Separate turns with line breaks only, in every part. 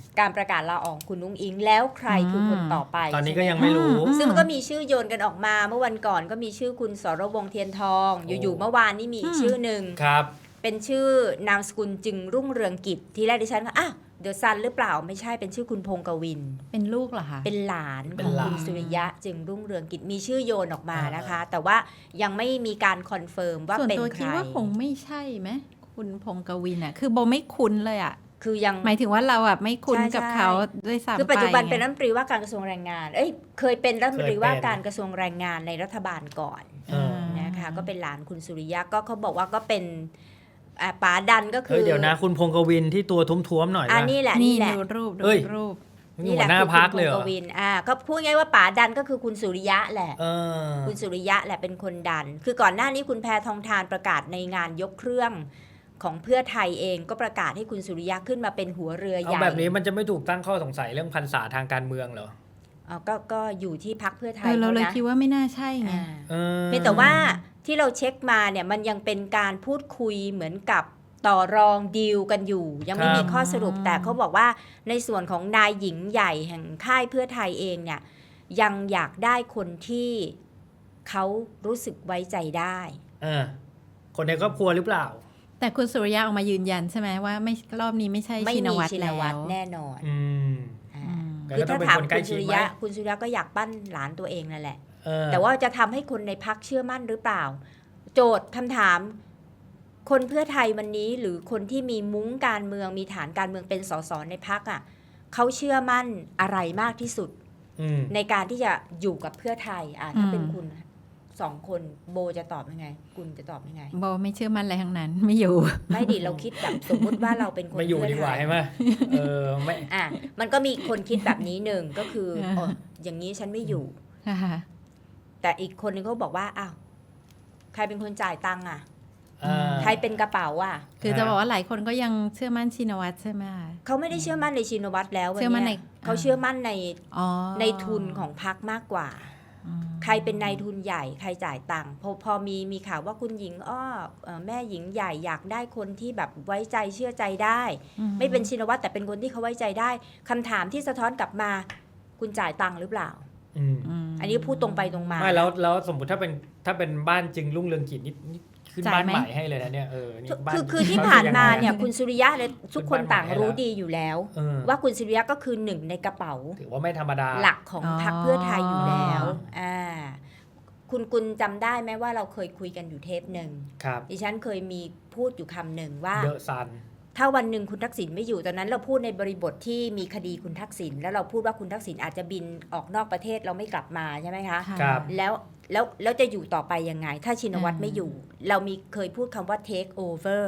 การประกาศลาออกคุณนุ้งอิงแล้วใครคือคนต่อไป
ตอนนี้ก็ยังไม่รู้
ซึ่งมันก็มีชื่อโยนกันออกมาเมื่อวันก่อนก็มีชื่อคุณสรวงศ์เทียนทองอยู่ๆเมื่อวานนี้มีอีกชื่อหนึ่ง
ครับ
เป็นชื่อนามสกุลจึงรุ่งเรืองกิจที่แรกดิฉันก็เดอะซันหรือเปล่าไม่ใช่เป็นชื่อคุณพงกวิน
เป็นลูกเหรอคะ
เป็นหลาน
เป็
ข
น
อง
หลาน
คุณสุริยะจึงรุ่งเรืองกิจมีชื่อโยนออกมานะคะ แต่ว่ายังไม่มีการคอนเฟิร์มว่า
ส่วน
เป็น
ตัว
ใค
คิด
ร
ว่าคงไม่ใช่ไหมคุณพงกวินอ่ะคือโบไม่คุ้นเลยอ่ะ
คือยัง
หมายถึงว่าเราอ่ะไม่คุ้น
ใช่
กับ
ใช่
เขาด้วยซ้ำ
คือปัจจุบัน
ไง
เป็นรัฐมนตรีว่าการกระทรวงแรงงานเคยเป็นรัฐมนตรีว่าการกระทรวงแรงงานในรัฐบาลก่อน นะคะก็เป็นหลานคุณสุริยะก็เขาบอกว่าก็เป็นป๋าดันก็คื
เฮ้ย
อ
เดี๋ยวนะคุณพงกวินที่ตัวท้วมๆหน่อย
นี่แหละ
นี่
นี่แหละ
ดูรูป
เอ้ย
รูป
นี่หัวหน้าพักเลยเหร
คุ
อ
ณพงกวินก็พูดง่ายว่าป๋าดันก็คือคุณสุริยะแหละ
อ
คุณสุริยะแหละเป็นคนดัน คือก่อนหน้านี้คุณแพทองธารประกาศในงานยกเครื่องของเพื่อไทยเองก็ประกาศให้คุณสุริยะขึ้นมาเป็นหัวเรือให
เอา
ญ่
แบบนี้มันจะไม่ถูกตั้งข้อสงสัยเรื่องพรรษาทางการเมืองเหรอ
ก็อยู่ที่พรรคเพื่อไทย
เราเลย
นะ
คิดว่าไม่น่าใช่ไง
เพียงแต่ว่าที่เราเช็คมาเนี่ยมันยังเป็นการพูดคุยเหมือนกับต่อรองดีลกันอยู่ ยังไม่มีข้อสรุปแต่เขาบอกว่าในส่วนของนายหญิงใหญ่แห่งค่ายเพื่อไทยเองเนี่ยยังอยากได้คนที่เขารู้สึกไว้ใจได้
คนในครอบครัวหรือเปล่า
แต่คุณสุริยะออกมายืนยันใช่ไหมว่าไม่รอบนี้ไม่ใช่
ไม่
ชิน
มี
วัตร
ชิน
แล้ว
วัตรแน่นอน
อืม
อ่า
แต่
คือ
ก็ต้อ
ถ้าง
เป็น
ถาม
คนใกล้
คุณ
ชิ
สุ
ด
ริ
ไหม
ยะคุณสุริยะก็อยากปั้นหลานตัวเองนั่นแหละ
แต่
แต่ว่าจะทำให้คนในพักเชื่อมั่นหรือเปล่า โจทย์คำถาม คนเพื่อไทยวันนี้หรือคนที่มีมุ้งการเมืองมีฐานการเมืองเป็นสสในพักเขาเชื่อมั่นอะไรมากที่สุด ในการที่จะอยู่กับเพื่อไทยถ้าเป็นคุณสองคนโบจะตอบยังไง คุณจะตอบยังไง
โบไม่เชื่อมั่นอะไรทั้งนั้นไม่อยู่
ไม่ดิเราคิดแบบสมมุติว่าเราเป็นคน
ไม่อยู่
เพื่อ
ดีก
ไท
ว่าย ใช่ไหมไม่
มันก็มีคนคิดแบบนี้หนึ่งก็คืออย่างนี้ฉันไม่อยู่ แต่อีกคนนึงเขาบอกว่าอ้าวใครเป็นคนจ่ายตังค์ใครเป็นกระเป๋า
คือจะบอกว่าหลายคนก็ยังเชื่อมั่นชินวัตรใช่ไหมคะ
เขาไม่ได้เชื่อมั่นในชินวัตรแล้ววัน
เชื่อมั่นใน
นี้เขาเชื่อมั่นใน
อ๋อ
ในทุนของพรรคมากกว่า ใครเป็นนายทุนใหญ่ใครจ่ายตังค์พอมีข่าวว่าคุณหญิงแม่หญิงใหญ่อยากได้คนที่แบบไว้ใจเชื่อใจได้ ไม่เป็นชินวัตรแต่เป็นคนที่เขาไว้ใจได้คำถามที่สะท้อนกลับมาคุณจ่ายตังค์หรือเปล่า อันนี้พูดตรงไปตรงมา
ไม่แล้วสมมติถ้าเป็นบ้านจึงรุ่งเรืองกิจนี่ขึ้นบ้านใหม่ให้เลยนะเนี่ยนี่บ้าน
คือที่ผ่านมาเนี่ยคุณสุริยะเลยทุกคนต่างรู้ดีอยู่แล้ว ว่าคุณสุริยะก็คือหนึ่งในกระเป๋า
ถือว่าไม่ธรรมดา
หลักของพรรคเพื่อไทยอยู่แล้วคุณกุลจำได้ไหมว่าเราเคยคุยกันอยู่เทปหนึ่ง
ครับ
ดิฉันเคยมีพูดอยู่คำหนึ่งว่า
เดอะซัน
ถ้าวันหนึ่งคุณทักษิณไม่อยู่ตอนนั้นเราพูดในบริบทที่มีคดีคุณทักษิณแล้วเราพูดว่าคุณทักษิณอาจจะบินออกนอกประเทศเราไม่กลับมาใช่ไหมคะ
ครับ
แล้วจะอยู่ต่อไปยังไง ถ้าชินวัตรไม่อยู่ เราเคยพูดคำว่า take over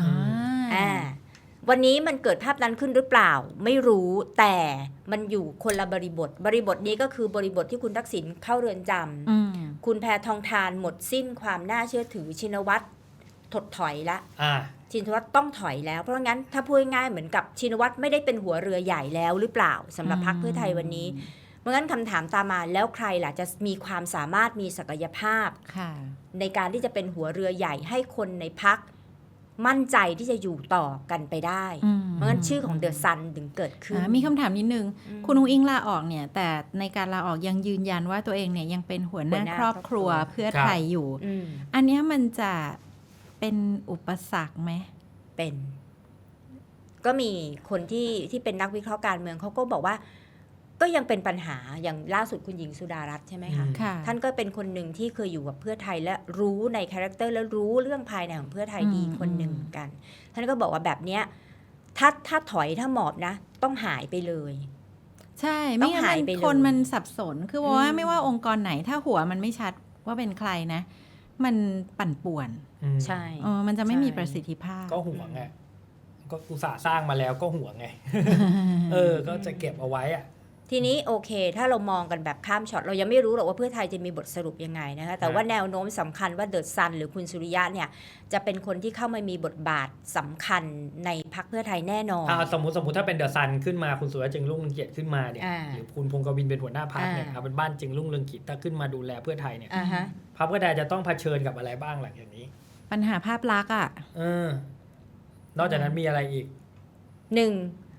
วันนี้มันเกิดภาพนั้นขึ้นหรือเปล่าไม่รู้แต่มันอยู่คนละบริบทนี้ก็คือบริบทที่คุณทักษิณเข้าเรือนจำคุณแพทองธารหมดสิ้นความน่าเชื่อถือชินวัตรถดถอยละชินวัตรต้องถอยแล้วเพราะงั้นถ้าพูดง่ายๆเหมือนกับชินวัตรไม่ได้เป็นหัวเรือใหญ่แล้วหรือเปล่าสำหรับพรรคเพื่อไทยวันนี้เพราะงั้นคำถามตามมาแล้วใครล่ะจะมีความสามารถมีศักยภาพในการที่จะเป็นหัวเรือใหญ่ให้คนในพรรคมั่นใจที่จะอยู่ต่อกันไปได้เพราะงั้นชื่อของเดอะซันถึงเกิดขึ้น
มีคำถามนิดนึงคุณอุ้งอิงลาออกเนี่ยแต่ในการลาออกยังยืนยันว่าตัวเองเนี่ยยังเป็นหัวหน้าครอบครัวเพื่อไทยอยู่อันนี้มันจะเป็นอุปสรรคไหม
เป็นก็มีคนที่เป็นนักวิเคราะห์การเมืองเขาก็บอกว่าก็ยังเป็นปัญหาอย่างล่าสุดคุณหญิงสุดารัตน์ใช่ไหมคะท่านก็เป็นคนหนึ่งที่เคยอยู่กับเพื่อไทยและรู้ในคาแรคเตอร์และรู้เรื่องภายในของเพื่อไทยดีคนหนึ่งเหมือนกันท่านก็บอกว่าแบบเนี้ยถ้าถอยถ้าหมอบนะต้องหายไปเลย
ใช่ไม่งั้นคนมันสับสนคือว่าไม่ว่าองค์กรไหนถ้าหัวมันไม่ชัดว่าเป็นใครนะมันปั่นป่วน
ใช่
มันจะไม่มีประสิทธิภาพ
ก็ห่วงไงก็อุตส่าห์สร้างมาแล้วก็ห่วงไง ก็จะเก็บเอาไว้
ทีนี้โอเคถ้าเรามองกันแบบข้ามช็อตเรายังไม่รู้หรอกว่าเพื่อไทยจะมีบทสรุปยังไงนะคะแต่ว่าแนวโน้มสำคัญว่าเดอะซันหรือคุณสุริยะเนี่ยจะเป็นคนที่เข้ามามีบทบาทสำคัญในพรรคเพื่อไทยแน่นอน
สมมติถ้าเป็นเดอะซันขึ้นมาคุณสุริยะจึงรุ่งเรืองกิจขึ้นมาเนี่ยหรือคุณพงกวินเป็นหัวหน้าพรรคเนี่ยเป็นบ้านจึงรุ่งเรืองกิจถ้าขึ้นมาดูแลเพื่อไทยเนี่ยพรรคเพื่อไทยจะต้องเผชิญกับอะไรบ้างหลังจากนี้
ปัญหาภาพลักษณ์
นอกจากนั้นมีอะไรอีก
หนึ่ง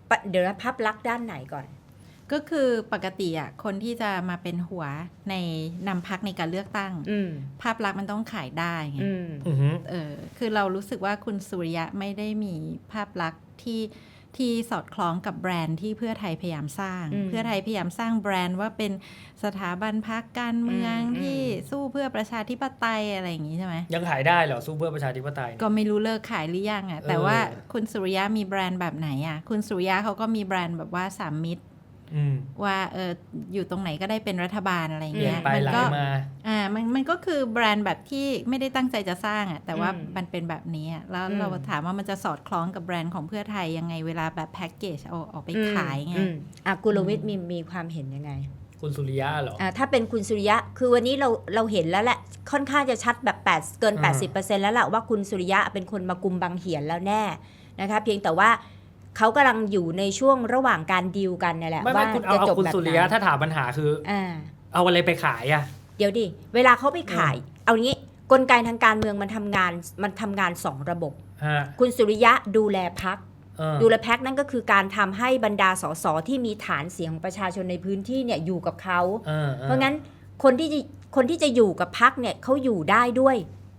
เดี๋ยวภาพลักษณ์ด้านไหนก่อน
ก็คือปกติอ่ะคนที่จะมาเป็นหัวในนำพรรคในการเลือกตั้งภาพลักษณ์มันต้องขายได้ไงคือเรารู้สึกว่าคุณสุริยะไม่ได้มีภาพลักษณ์ที่สอดคล้องกับแบรนด์ที่เพื่อไทยพยายามสร้างเพื่อไทยพยายามสร้างแบรนด์ว่าเป็นสถาบันพรรคการเมืองที่สู้เพื่อประชาธิปไตยอะไรอย่างนี้ใช่ไหม
ยังขายได้เหรอสู้เพื่อประชาธิปไตย
ก็ไม่รู้เลิกขายหรือยังอ่ะแต่ว่าคุณสุริยะมีแบรนด์แบบไหนอ่ะคุณสุริยะเขาก็มีแบรนด์แบบว่าสามมิตรว่าอยู่ตรงไหนก็ได้เป็นรัฐบาลอะไรเงี้ย
มันก็
มันก็คือแบรนด์แบบที่ไม่ได้ตั้งใจจะสร้างอ่ะแต่ว่ามันเป็นแบบนี้แล้วเราถามว่ามันจะสอดคล้องกับแบรนด์ของเพื่อไทยยังไงเวลาแบบแพ็กเกจเอาออกไปขายไง
กุลวิทย์มีความเห็นยังไง
คุณสุริยะเหรอ
ถ้าเป็นคุณสุริยะคือวันนี้เราเห็นแล้วแหละค่อนข้างจะชัดแบบเกิน 80% แล้วแหละว่าคุณสุริยะเป็นคนมากุมบังเหียนแล้วแน่นะคะเพียงแต่ว่าเขากำลังอยู่ในช่วงระหว่างการดีลกันนี่แหละว่า
จะจบแบบไหนคุณสุริยะถ้าถามปัญหาคือเอาอะไรไปขายอ่ะ
เดี๋ยวดิเวลาเขาไปขายเอางี้กลไกทางการเมืองมันทำงาน2ระบบคุณสุริยะดูแลพรรคดูแลพรรคนั่นก็คือการทำให้บรรดาสสที่มีฐานเสียงของประชาชนในพื้นที่เนี่ยอยู่กับเขาเพราะงั้นคนที่จะอยู่กับพรรคเนี่ยเขาอยู่ได้ด้วย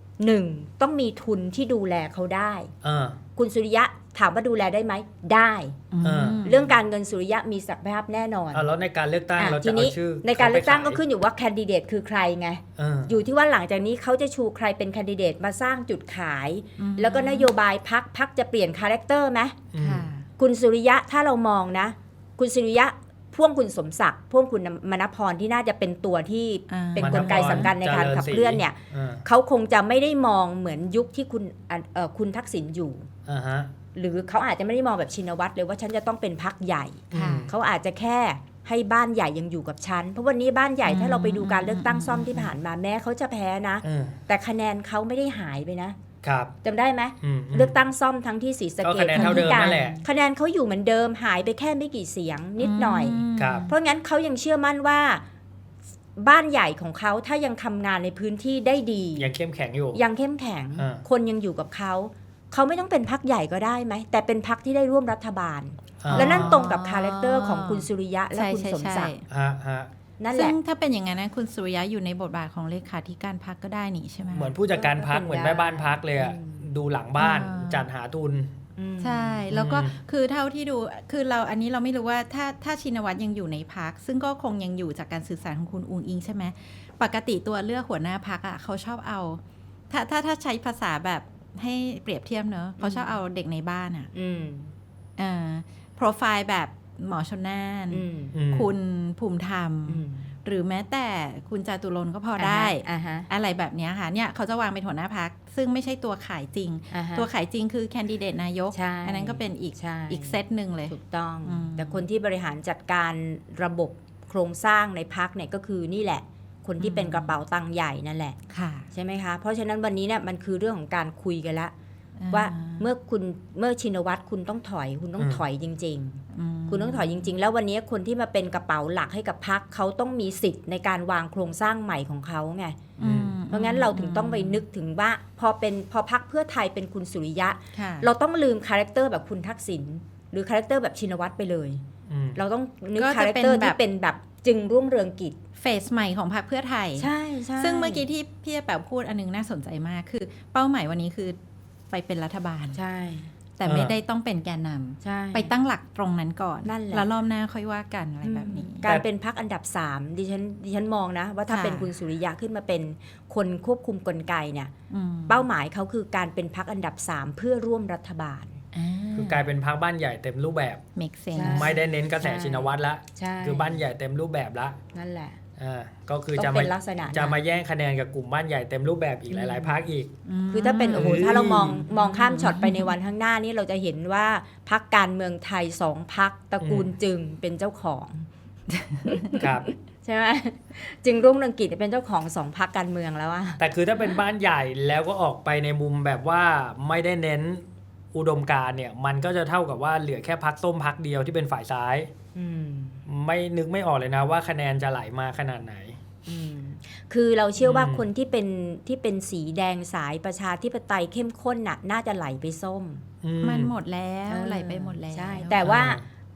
1ต้องมีทุนที่ดูแลเขาได้คุณสุริยะถามว่าดูแลได้ไหมได้เรื่องการเงินสุริยะมีศักยภาพแน่นอน
แล้วในการเลือกตั้งเราจะเอาชื่อ
ในการเลือกตั้งก็ขึ้นอยู่ว่าแคนดิเดตคือใครไงอยู่ที่ว่าหลังจากนี้เขาจะชูใครเป็นแคนดิเดตมาสร้างจุดขายแล้วก็นโยบายพรรคจะเปลี่ยนคาแรคเตอร์ไหมคุณสุริยะถ้าเรามองนะคุณสุริยะพ่วงคุณสมศักดิ์พ่วงคุณมณพรที่น่าจะเป็นตัวที่เป็นกลไกสำคัญในการขับเคลื่อนเนี่ยเขาคงจะไม่ได้มองเหมือนยุคที่คุณทักษิณอยู่หรือเขาอาจจะไม่ได้มองแบบชินวัตรเลยว่าฉันจะต้องเป็นพรรคใหญ่เขาอาจจะแค่ให้บ้านใหญ่ยังอยู่กับฉันเพราะวันนี้บ้านใหญ่ถ้าเราไปดูการเลือกตั้งซ่อมที่ผ่านมาแม้เขาจะแพ้นะแต่คะแนนเขาไม่ได้หายไปนะครับจำได้ไหมเลือกตั้งซ่อมทั้งที่ศรีสะเกษทั้งที่การคะแนนเขาอยู่เหมือนเดิมหายไปแค่ไม่กี่เสียงนิดหน่อยเพราะงั้นเขายังเชื่อมั่นว่าบ้านใหญ่ของเขาถ้ายังทำงานในพื้นที่ได้ดี
ยังเข้มแข็งอยู่
ยังเข้มแข็งคนยังอยู่กับเขาไม่ต้องเป็นพรรคใหญ่ก็ได้ไหมแต่เป็นพรรคที่ได้ร่วมรัฐบาลและนั่นตรงกับคาแรคเตอร์ของคุณสุริยะและคุณสมศักดิ์นั่นแหละ
ซึ่งถ้าเป็นอย่างนั้นนะคุณสุริยะอยู่ในบทบาทของเลขาธิการพรรคก็ได้นี่ใช่ไหม
เหมือนผู้จัดการพรรคเหมือนแม่บ้านพรรคเลยอะดูหลังบ้านจัดหาทุน
ใช่แล้วก็คือเท่าที่ดูคืออันนี้เราไม่รู้ว่าถ้าชินวัตรยังอยู่ในพรรคซึ่งก็คงยังอยู่จากการสื่อสารของคุณอุงอิงใช่ไหมปกติตัวเลือกหัวหน้าพรรคอะเขาชอบเอาถ้าใช้ภาษาแบบให้เปรียบเทียบเนอะเขาชอบเอาเด็กในบ้านอ่ะโปรไฟล์แบบหมอชนน่านคุณภูมิธรรมหรือแม้แต่คุณจาตุรนต์ก็พอได้อะไรแบบนี้ค่ะเนี่ยเขาจะวางเป็นหัวหน้าพรรคซึ่งไม่ใช่ตัวขายจริงตัวขายจริงคือแคนดิเดตนายกอันนั้นก็เป็นอีกเซตหนึ่งเลย
ถูกต้องแต่คนที่บริหารจัดการระบบโครงสร้างในพรรคเนี่ยก็คือนี่แหละคนที่เป็นกระเป๋าตังค์ใหญ่นั่นแหละใช่ไหมคะเพราะฉะนั้นวันนี้เนี่ยมันคือเรื่องของการคุยกันละว่าเมื่อชินวัตรคุณต้องถอยจริงๆคุณต้องถอยจริงๆแล้ววันนี้คนที่มาเป็นกระเป๋าหลักให้กับพรรคเขาต้องมีสิทธิ์ในการวางโครงสร้างใหม่ของเขาไงเพราะงั้นเราถึงต้องไปนึกถึงว่าพอพรรคเพื่อไทยเป็นคุณสุริยะเราต้องลืมคาแรคเตอร์แบบคุณทักษิณหรือคาแรคเตอร์แบบชินวัตรไปเลยเราต้องนึกคาแรคเตอร์ที่เป็นแบบจึงรุ่งเรืองกิจ
เฟสใหม่ของพรรคเพื่อไทย
ใช่
ซึ่งเมื่อกี้ที่พี่แป๋วพูดอันนึงน่าสนใจมากคือเป้าหมายวันนี้คือไปเป็นรัฐบาล
ใช่
แต่ไม่ได้ต้องเป็นแกนนำไปตั้งหลักตรงนั้นก่อนแล้วรอบหน้าค่อยว่ากันอะไรแบบนี้
การเป็นพรรคอันดับ3ดิฉันมองนะว่าถ้าเป็นคุณสุริยะขึ้นมาเป็นคนควบคุมกลไกเนี่ยเป้าหมายเขาคือการเป็นพรรคอันดับ3เพื่อร่วมรัฐบาล
คือกลายเป็นพรรคบ้านใหญ่เต็มรูปแบบไม่ได้เน้นกระแสชินวัตรละคือบ้านใหญ่เต็มรูปแบบละ
นั่นแหละ
ก็คือจะมาแย่งคะแนนกับกลุ่มบ้านใหญ่เต็มรูปแบบอีกหลายๆพรรคอีก
คือถ้าเป็นถ้าเรามองข้ามช็อตไปในวันข้างหน้านี้เราจะเห็นว่าพรรคการเมืองไทย2พรรคตระกูลจึงเป็นเจ้าของ
ครับ
ใช่ไหมจึงรุ่งเรืองกิจเป็นเจ้าของ2พรรคการเมืองแล้วอะ
แต่คือถ้าเป็นบ้านใหญ่แล้วก็ออกไปในมุมแบบว่าไม่ได้เน้นอุดมการณ์เนี่ยมันก็จะเท่ากับว่าเหลือแค่พรรคส้มพรรคเดียวที่เป็นฝ่ายซ้ายไม่นึกไม่ออกเลยนะว่าคะแนนจะไหลมาขนาดไหน
คือเราเชื่อว่าคนที่เป็นสีแดงสายประชาธิปไตยเข้มข้นน่ะน่าจะไหลไปส้ม
มันหมดแล้วไหลไปหมดแล้ว
ใช่แต่ว่า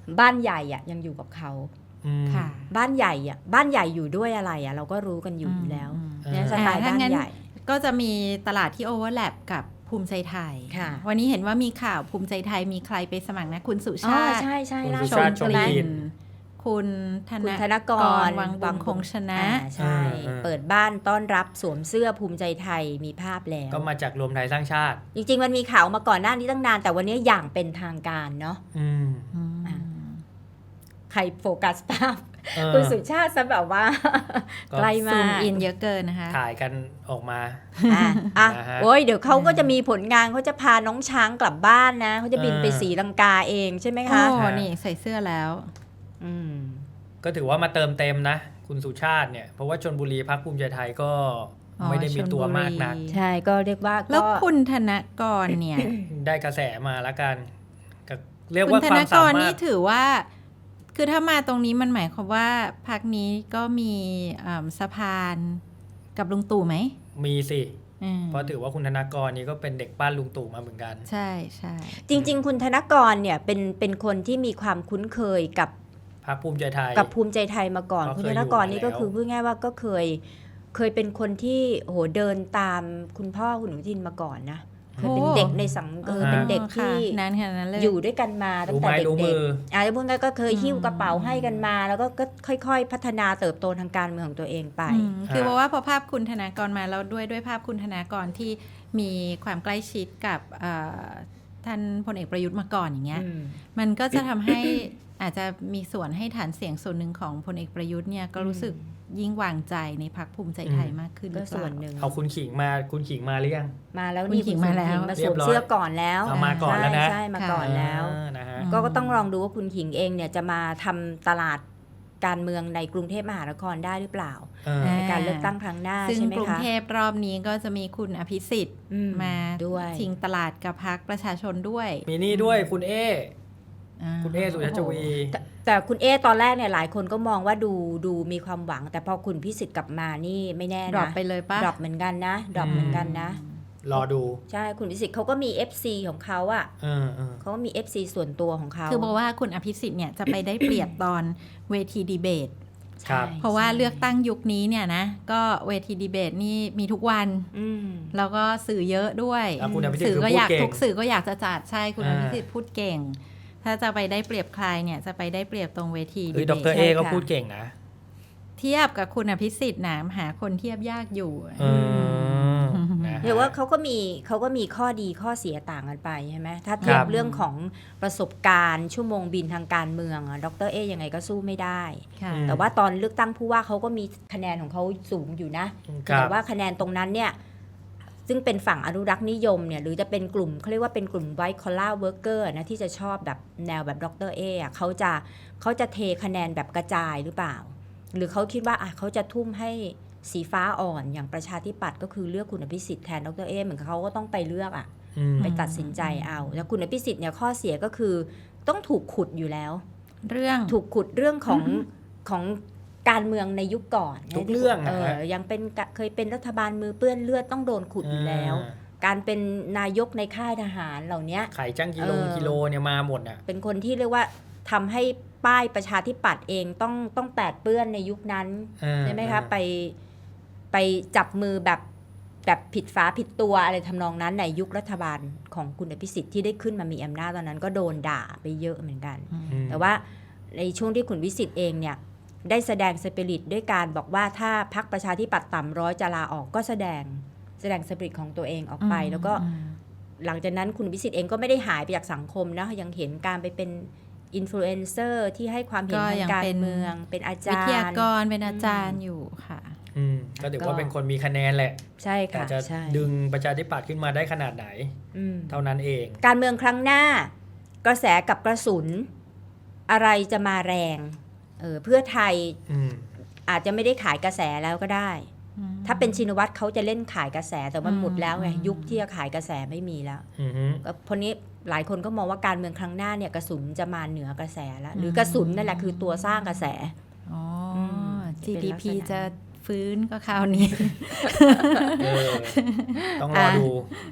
บ้านใหญ่อะยังอยู่กับเขา
ค่ะ
บ้านใหญ่อะบ้านใหญ่อยู่ด้วยอะไรอะเราก็รู้กันอยู่แล้วเนี่ยสไตล์บ้านใหญ่
ก็จะมีตลาดที่โอเวอร์แลปกับภูมิใจไทย
ค่ะ
วันนี้เห็นว่ามีข่าวภูมิใจไทยมีใครไปสมัครนะคุณสุ
อ๋อ
ชาติ
ใช่ใช่
คุณ
ล่า
สุ
สุ
ชา
ด
ติ
ใช่ไหม
ชมกลิ่น
คุณธ
คุณธนกร
วังบุญคงชนะ
ใช่ เปิดบ้านต้อนรับสวมเสื้อภูมิใจไทยมีภาพแล้ว
ก็มาจากรวมไทยสร้างชาติ
จริงๆมันมีข่าวมาก่อนหน้านี้ตั้งนานแต่วันนี้อย่างเป็นทางการเนาะ อ่ะ ใครโฟกัสภาพ
เออ
คุณสุชาติซะแบบว่า
ก็
ใกล้
ซู
มาม ก
อินเยอะเกินนะคะ
ถ่ายกันออกมา
อ่ะ
นะฮะ
โอ้ยเดี๋ยวเขาก็จะมีผลงานเขาจะพาน้องช้างกลับบ้านนะเขาจะบินไป
เออ
ศรีลังกาเองใช่ไหม
โอ้
คะ
นี่ใส่เสื้อแล้ว
อืม
ก็ถือว่ามาเติมเต็มนะ คุณสุชาติเนี่ยเพราะว่าชลบุรีพรรคภูมิใจไทยก็
อ๋อ
ไม่ได้มีตัวมากนัก
ชลบุรี
ใช่ก็เรียกว่า
แล้ว
ก็
คุณธนกรเนี่ย
ได้กระแสมาแล้วกันก็เรียก
คุณ
ว่า
ธ
ควาน ม
ก
สาร มาร
นี่
ถ
ถือว่า คือถ้ามาตรงนี้มันหมายความว่าพักนี้ก็มีสะพานกับลุงตู่ไหม
มีสิ
อืม
เพราะถือว่าคุณธนากรนี่ก็เป็นเด็กบ้านลุงตู่มาเหมือนกัน
ใช่ใช่
จริงๆ คุณธนกรเนี่ยเป็นคนที่มีความคุ้นเคยกับ
พรรคภูมิใจไทย
ภูมิใจไทยมาก่อน
ก็เคย
คุณธนกร
อยู่มา
นี่ก็
แล้ว
คือพูดง่ายว่าก็เคยเป็นคนที่โหเดินตามคุณพ่อคุณอนุทินมาก่อนนะเคยเป็นเด็กในสังเป็นเด็กที่
นานขนาดนั้นเลย
อยู่ด้วยกันมาตั้ง
รู้
แต่
ไม้
เด็
รู้
ก
มือ
ๆอาจจะพูดง่ายก็เคยหิ้วกระเป๋าให้กันมา แล้วก็ค่อยๆ พัฒนาเติบโตทางการเมืองของตัวเองไป
คือเพราะว่าพอภาพคุณธนากรมาแล้วด้วยภาพคุณธนากรที่มีความใกล้ชิดกับท่านพลเอกประยุทธ์มาก่อนอย่างเงี้ย มันก็จะทำให้ อาจจะมีส่วนให้ฐานเสียงส่วนหนึ่งของพลเอกประยุทธ์เนี่ยก็รู้สึกยิ่งวางใจในพรรคภูมิใจไทยมากขึ้นห
ก็
รือเป
ส่ว
ล่า
นหนึ่ง
เอาคุณขิงมาหรือยัง
มาแล้ว
คุณ
นี่
ขิงมาแล้ว
มาสวมเสื้อก่อนแล้ว
เอามาก่อนแล้วนะ
ใช่มาก่อนแล้ว
นะฮะ
ก็ต้องลองดูว่าคุณขิงเองเนี่ยจะมาทำตลาดการเมืองในกรุงเทพมหานครได้หรือเปล่า ในการเลือกตั้งครั้งหน้า
ซึ่ง
ใช่ไหม
กรุง
คะ
เทพรอบนี้ก็จะมีคุณอภิสิทธิ์ มา
ด้วย
ชิงตลาดกับพรรคประชาชนด้วย
มีนี่ด้วยคุณเอ
า
คุณเอสุชาติชวี
แต่คุณเอตอนแรกเนี่ยหลายคนก็มองว่าดูมีความหวัง แต่พอคุณพิสิทธิ์กลับมานี่ไม่แน่นะ
ดรอปไปเลยปะ
ดรอปเหมือนกันนะดรอปเหมือนกันนะ
รอดู
ใช่คุณพิสิทธิ์เขาก็มี FC ของเขาอะ
เออ
เขาก็มี FC ส่วนตัวของเขา
คือบอกว่าคุณอภิสิทธิ์เนี่ยจะไปได้เปรียบตอนเวทีดีเบต
ครับ
ใช่
เพราะว่า
ใช่
เลือกตั้งยุคนี้เนี่ยนะก็เวทีดีเบตนี่มีทุกวัน
อืม
แล้วก็สื่อเยอะด้วย
แล้วคุณอภิสิทธิ์
สื่อก็
คือพูด
อยาก
เก่ง
ทุกสื่อก็อยากจะจัดใช่คุณอ
อ่า
ภิสิทธิ์พูดเก่ง ถ้าจะไปได้เปรียบใครเนี่ยจะไปได้เปรียบตรงเวที
เฮ้ย
ดี
ด
เบ
ร
ต
เอก็พูดเก่งนะ
เทียบกับคุณอภิสิทธิ์นะหาคนเทียบยากอยู่
นะฮะ
เดี๋ยวว่าเขาก็มีข้อดีข้อเสียต่างกันไปใช่ไหมถ้าเทีย
ครับ บ
เรื่องของประสบการณ์ชั่วโมงบินทางการเมืองอะดรเอยังไงก็สู้ไม่ได้
ค่ะ
แต่ว่าตอนเลือกตั้งผู้ว่าเขาก็มีคะแนนของเขาสูงอยู่นะ
ครั
แต่
บ
ว่าคะแนนตรงนั้นเนี่ยซึ่งเป็นฝั่งอนุรักษ์นิยมเนี่ยหรือจะเป็นกลุ่มเขาเรียกว่าเป็นกลุ่ม white collar worker นะที่จะชอบแบบแนวแบบดรเออะเขาจะเทคะแนนแบบกระจายหรือเปล่า หรือเขาคิดว่าเขาจะทุ่มให้สีฟ้าอ่อนอย่างประชาธิปัตย์ก็คือเลือกคุณอภิสิทธิ์แทนดรเอเหมือนเขาก็ต้องไปเลือก
อืม
ไปตัดสินใจเอาแล้วคุณอภิสิทธิ์เนี่ยข้อเสียก็คือต้องถูกขุดอยู่แล้ว
เรื่อง
ถูกขุดเรื่องของการเมืองในยุคก่อน
ทุกเรื่อง
ยังเป็นเคยเป็นรัฐบาลมือเปื้อนเลือดต้องโดนขุดอยู่แล้ว การเป็นนายกในค่ายทหารเหล่านี้
ไข่จ้างกิโลเนี่ยมาหมดอ่ะ
เป็นคนที่เรียกว่าทำให้ป้ายประชาธิปัตย์เองต้องแปดเปื้อนในยุคนั้นใช่ไหมคะไปจับมือแบบผิดฝาผิดตัวอะไรทำนองนั้นในยุครัฐบาลของคุณอภิสิทธิ์ที่ได้ขึ้นมามีอำนาจตอนนั้นก็โดนด่าไปเยอะเหมือนกัน แต่ว่าในช่วงที่คุณวิสิทธิ์เองเนี่ยได้แสดงสปิริตด้วยการบอกว่าถ้าพรรคประชาธิปัตย์ต่ำร้อยจะลาออกก็แสดงสปิริตของตัวเองออกไปแล้วก็หลังจากนั้นคุณวิสิทธิ์เองก็ไม่ได้หายไปจากสังคมนะยังเห็นการไปเป็นอินฟลูเอนเซอร์ที่ให้ความเห็นทางการเมืองเป็นอาจารย์
วิทยากรเป็นอาจารย์อยู่ค่ะ
ก็ถือว่าเป็นคนมีคะแนนแหละ
ใช่
แต่
ค่ะ
จะ
ใช่
ดึงประชาธิปัตย์ขึ้นมาได้ขนาดไหน เท่านั้นเอง
การเมืองครั้งหน้ากระแสกับกระสุนอะไรจะมาแรงเพื่อไทยอาจจะไม่ได้ขายกระแสแล้วก็ได้ ถ้าเป็นชินวัตรเขาจะเล่นขายกระแสแต่มันหมดแล้วไงยุคที่จะขายกระแสไม่มีแล้วเพราะนี้หลายคนก็มองว่าการเมืองครั้งหน้าเนี่ยกระสุนจะมาเหนือกระแสแล้วหรือกระสุนนั่นแหละคือตัวสร้างกระแส
อ๋อ
จะเป็นลักษณะ
GDP จะฟื้นก็คราวนี้
ต้องรอดู